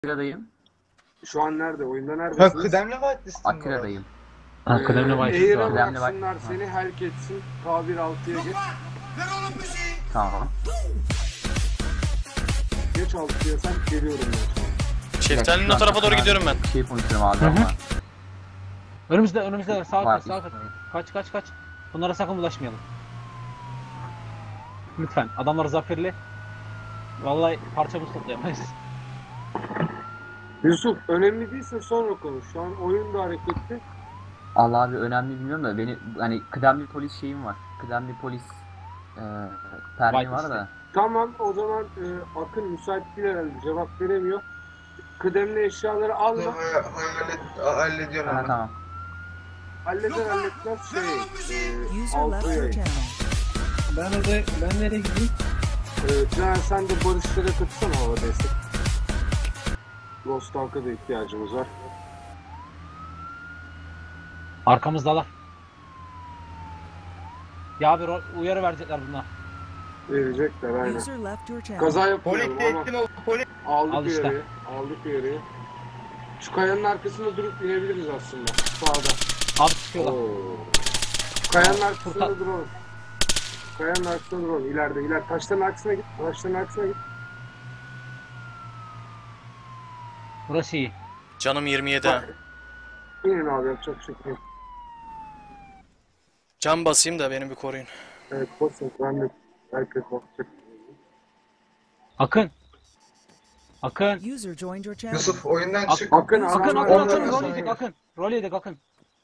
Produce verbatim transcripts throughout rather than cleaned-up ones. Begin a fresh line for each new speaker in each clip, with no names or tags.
Akira'dayım.
Şu an nerede? Oyunda
Ha,
neredesiniz?
kıdemli whitelistin mi?
Akira'dayım.
Ha, kıdemli
Ee,
başlık
Eğir'e
var.
Kıdemli
bıraksınlar
baş-
seni, helk etsin. K bir altıya geç.
Tamam.
Geç altıya sen, geliyorum ben.
Şeftalinin o tarafa doğru gidiyorum ben.
Bir şey konuşuyorum abi
Hı hı.
ama.
Önümüzde önümüzde sağa
Var,
kaç sağa kaç.
işte.
Kaç kaç kaç. Bunlara sakın bulaşmayalım. Lütfen adamlar zaferli. Vallahi parçamız toplayamayız.
Yusuf, önemli değilse sonra konuş. Şu an oyun da hareketli.
Allah abi önemli bilmiyorum da beni hani kıdemli polis şeyim var. Kıdemli polis e, permi
White
var
liste.
da.
Tamam, o zaman e, Akın müsait değil herhalde, cevap veremiyor. Kıdemli eşyaları alma.
Hallet, hallediyorum
Ha,
hemen.
tamam.
Halleder halletmez şey. E,
User left
altı
your
yayın.
channel.
Ben orada, ben nereye gideyim?
E, Caner, sen de barışlara katırsana hava destek. Lost Ark'a da ihtiyacımız var.
Arkamızdalar. Ya abi ro- uyarı verecekler bunlar.
Verecekler aynen.
User left your channel.
Kaza
Polis
yapmayalım ama
ettim o polis.
aldık
Al işte.
uyarıyı. Aldık uyarıyı. Şu kayanın arkasında durup inebiliriz aslında. Sağda.
Abi çıkıyorlar.
Oo. Kayanın arkasında
Furkan.
duralım. Kayanın arkasında duralım. İleride, ileride. Taşların arkasına git. Taşların arkasına git.
Burası iyi.
Canım yirmi yedi ha.
İnin abi, yapacak bir şey yok.
Can basayım da beni bir koruyun.
Evet, basın. Ben de herkes bakacak.
Akın. Akın.
User joined your channel.
Yusuf oyundan
Ak-
çık.
Akın,
Akın
adamlar-
Akın Akın
Ondan
rol
sonra-
yedik Akın. Rol yedik Akın.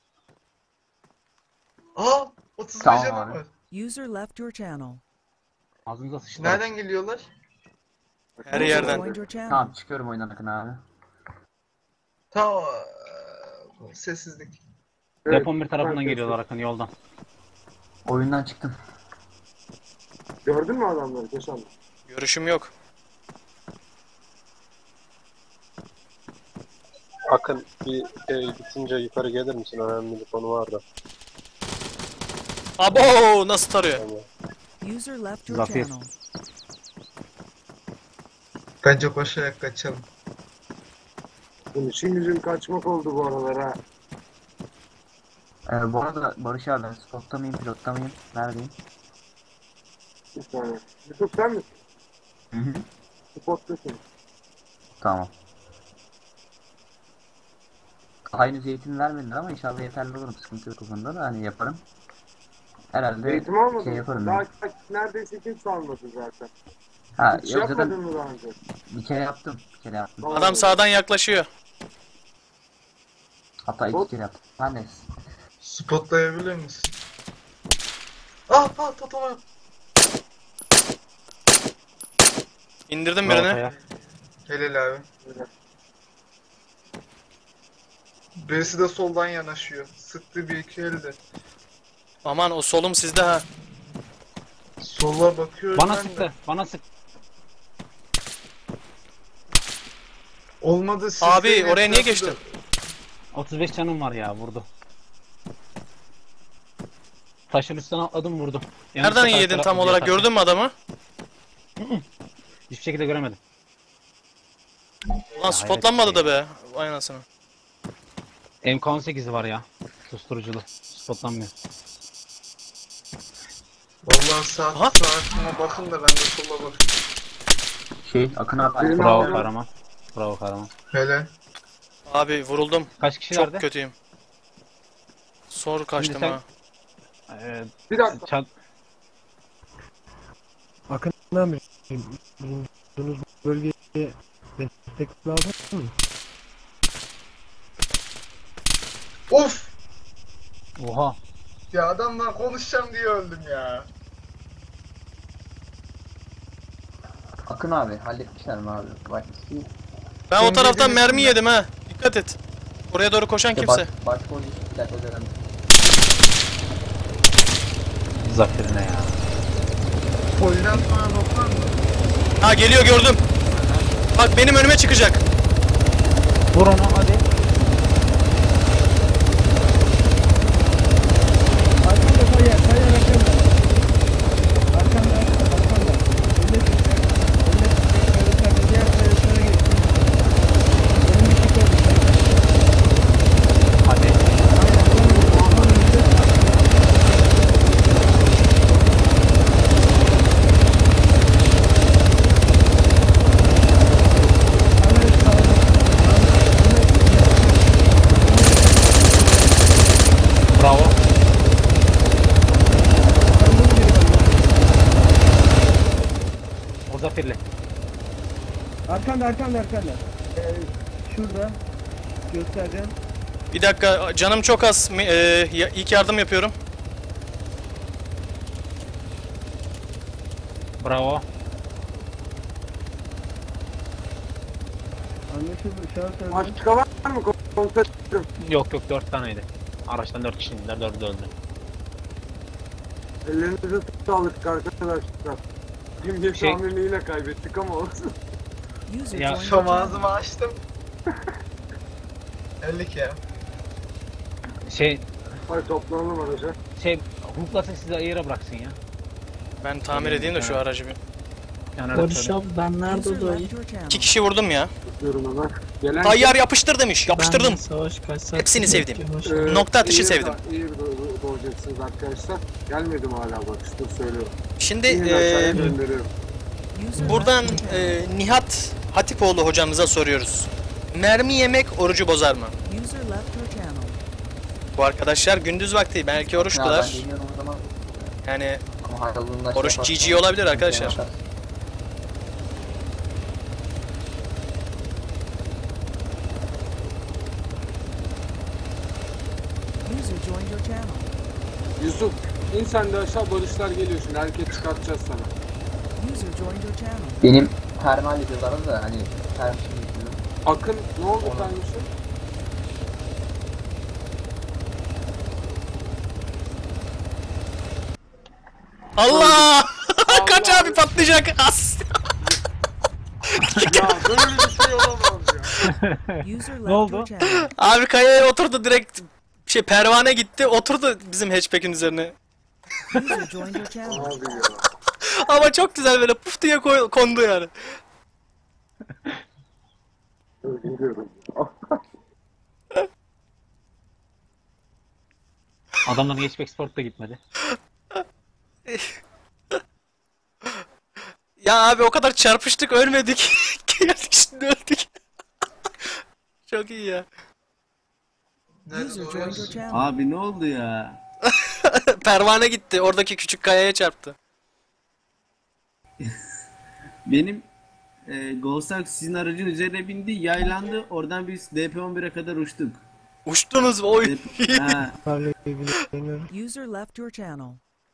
Aa, otuz beş
Tamam
adam
abi.
var.
User left your channel.
Ağzınıza sıçtı.
Nereden geliyorlar?
Her
User
yerden.
joined your channel.
Tamam çıkıyorum oyundan Akın abi.
Tamam. Sessizlik.
Evet,
Depon bir tarafından
herkes-
geliyorlar Akın yoldan.
Oyundan çıktım.
Gördün mü adamları? Geçen.
Görüşüm yok.
Akın bir e, bitince yukarı gelir misin? Önemli bir konu var da.
Abo nasıl tarıyor?
Tamam.
User left your
Zafer.
channel.
Bence koşarak kaçalım.
Bunun işin gücün kaçmak oldu bu aralar ha.
Ee, bu arada Barış abi ben spotta mıyım pilotta mıyım? Neredeyim?
Bir saniye. Yusuf sen misin?
Hı hı.
Spot'tasın.
Tamam. Aynı eğitim vermediler ama inşallah yeterli olurum. Sıkıntı yok o konuda da hani yaparım. Herhalde
Eğitim almadın
şey
mı?
yaparım
Daha
ben.
neredeyse kimse almadı zaten.
Ha
Hiç
yok
yapmadın
zaten
mı daha önce?
bir kere yaptım. Bir kere yaptım.
Tamam.
Adam sağdan yaklaşıyor.
Hatta iki
Hop.
kere yaptım. Her neyse.
Spotlayabilir misin? Ah ah tatama.
İndirdim
Bravo
birini.
Kaya.
Helal abi. Birisi de soldan yanaşıyor. Sıktı bir iki elde.
Aman o solum sizde ha.
Sola bakıyorum
Bana
ben de.
sıktı. Bana sık.
Olmadı siz
Abi,
de
oraya niye
etrafı
geçtin?
da-
otuz beş canım var ya vurdu. Taşın üstüne atladım vurdu. Yanlışlıkla
Nereden
karşı
yedin
taraf
tam
diye
olarak
taşın.
gördün mü adamı?
Hiçbir şekilde göremedim.
Ulan spotlanmadı da be. Vay anasını.
M K on sekizi var ya. Susturuculu. Spotlanmıyor.
Vallahi saat
Aha.
saatine bakın da ben de sola bakayım.
Şey Akın abi.
Benim
Bravo
abi-
kahraman. Bravo kahraman.
Helal.
Abi vuruldum.
Kaç kişilerdi?
Çok kötüyüm. Sor kaçtım
sen-
ha.
Ee,
Bir dakika.
çat...
Akın abi, bulunduğunuz bölgeye destek lazım mı?
Of!
Oha.
Ya adamla konuşacağım diye öldüm ya.
Akın abi halletmişler mi abi? Bak,
Ben o
Sen
taraftan
dediğin
mermi
üstünde.
yedim ha. Dikkat et. Oraya doğru koşan
işte
kimse.
baş, baş polis bir dakika dedim.
Zaferine ya.
Polden sonra doktor mu?
Ha geliyor gördüm. Bak benim önüme çıkacak.
Vur onu hadi.
Arkanda kaya, kaya arkanda. Arkanda, arkanda. Önüne çıkacak, önüne çıkacak, diğer kayasına geçsin. Arkanda arkanda arkanda. Ee, şurada. Göstereceğim.
Bir dakika canım çok az. Mi- e, ya- ilk yardım yapıyorum.
Bravo.
Anlaşıldı. Şahıs öldü.
Başka var mı komiserim?
Yok yok dört taneydi. Araçtan dört kişi indiler, dördü de öldü.
Ellerinize sağlık arkadaşlar. Gün geç
Şey-
tahminini yine kaybettik ama olsun.
User
Ya,
joined your
Şam
channel.
ağzımı açtım. elli ya.
Şey,
Hadi toplanalım araca.
şey, hukuklasın sizi ayıra bıraksın ya.
Ben tamir edeyim de şu aracı bir.
Yani öyle söyleyeyim.
ben nerede
User
doyayım?
left your channel.
İki kişi vurdum ya.
Tutuyorum hemen. Gelen
Tayyar yapıştır demiş. Yapıştırdım.
Ben savaş kaç saat
Hepsini sevdim.
Ee,
Nokta atışı
iyi-
sevdim.
İyi do- doğacaksınız arkadaşlar. Gelmedim hala bak işte söylüyorum.
Şimdi
Yine aşağıya
e,
gönderiyorum.
User
buradan
left your channel.
e, Nihat Hatipoğlu hocamıza soruyoruz. Mermi yemek orucu bozar mı?
User left your channel.
Bu arkadaşlar gündüz vakti belki
Ya ben
oruçtular.
deniyorum o zaman.
Yani
Ama hayalımda şey
oruç
yaparsam-
G G olabilir arkadaşlar.
User joined your channel.
Yusuf in sen de aşağı barışlar geliyor şimdi hareket çıkartacağız sana.
User joined your channel.
Benim termal ediyorlar da hani termal yapıyorum.
Akın ne oldu
Onu-
sen Yusuf?
Allah! Kaç
Allah!
abi patlayacak. As.
Ya böyle bir şey olamaz ya.
User left
oldu?
your channel.
Abi kayaya oturdu direkt. Şey pervane gitti oturdu bizim hatchback'in üzerine.
User joined your channel.
Abi ya.
Ama çok güzel böyle puf diye koy- kondu yani.
Biliyorum.
Adamların geçmek sport da gitmedi.
Ya abi o kadar çarpıştık ölmedik. Geldik şimdi öldük. Çok iyi ya.
User
Nerede
joined your
oluyorsun?
channel.
Abi ne oldu ya?
Pervane gitti oradaki küçük kayaya çarptı.
Benim e, Golsak sizin aracın üzerine bindi, yaylandı. Oradan biz D P on bire kadar uçtuk.
Uçtunuz mu? Oy.
ha.
User left your channel.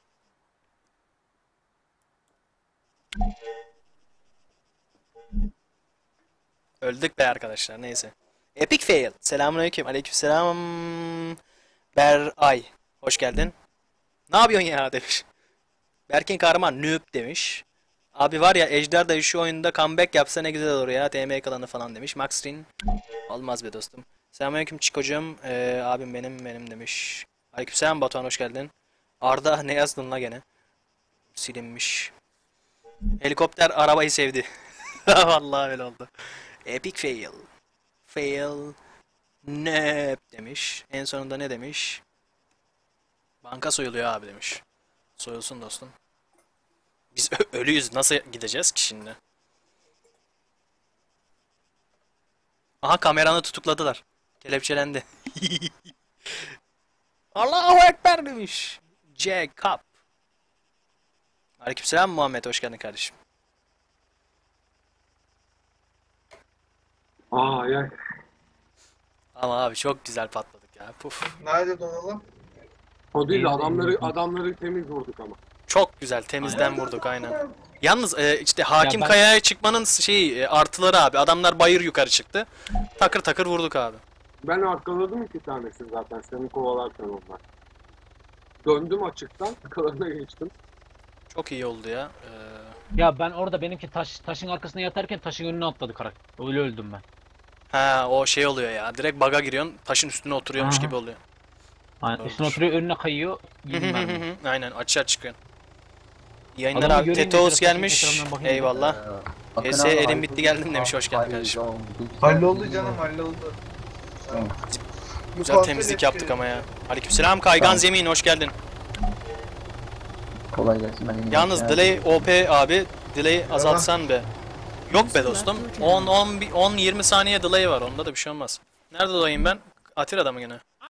Öldük be arkadaşlar neyse. Epic fail. Selamünaleyküm. Aleykümselam. Beray. Hoş geldin. Ne yapıyorsun ya demiş. Berkin Kahraman noob demiş. Abi var ya Ejder de şu oyunda comeback yapsa ne güzel olur ya. T M kalanı falan demiş. Maxrin. Olmaz be dostum. Selamünaleyküm Çikocuğum. Ee, abim benim benim demiş. Aleykümselam Batuhan hoş geldin. Arda ne yazdın la gene? Silinmiş. Helikopter arabayı sevdi. Vallahi öyle oldu. Epic fail. Fail. Ne demiş. En sonunda ne demiş? Banka soyuluyor abi demiş. Soyulsun dostum. Biz ö- ölüyüz. Nasıl gideceğiz ki şimdi? Aha kameranı tutukladılar. Kelepçelendi. Allahu Ekber demiş. Jacob. Aleykümselam Muhammed hoş geldin kardeşim.
Aa ya.
Ama abi çok güzel patladık ya. Puf.
Nerede donalım?
O değil de adamları adamları temiz vurduk ama.
Çok güzel temizden vurduk aynen. Yalnız e, işte hakim
Ya ben-
kayaya çıkmanın şeyi e, artıları abi. Adamlar bayır yukarı çıktı. Takır takır vurduk abi.
Ben arkaladım iki tanesini zaten seni kovalarken onlar. Döndüm açıktan arkalarına geçtim.
Çok iyi oldu ya. Ee,
Ya ben orada benimki taş taşın arkasına yatarken taşın önüne atladı karakter. Öyle öldüm ben.
ha o şey oluyor ya. Direkt baga giriyorsun. Taşın üstüne oturuyormuş
Aha.
gibi oluyor.
Hani
Doğrudur.
üstüne oturuyor önüne kayıyor. Yedim ben de.
Aynen açığa çıkıyorsun. İyi yayınlar
Adamı
abi.
göreyim de
Tetos
biraz taşın
gelmiş.
ekranından bakayım.
Eyvallah.
Akın
P S
abi,
elim
hayırlı
bitti geldim
olsun.
demiş, hoş geldin
Hayırlı
kardeşim.
olsun.
Halloldu canım halloldu.
Güzel temizlik yaptık ama ya. Aleykümselam Kaygan
Tamam.
Zemin hoş geldin.
Kolay gelsin. Ben
Yalnız delay O P abi. Delay azaltsan be. Yok be dostum. on on yirmi saniye delay var. Onda da bir şey olmaz. Nerede dolayım ben? Atira'da mı gene?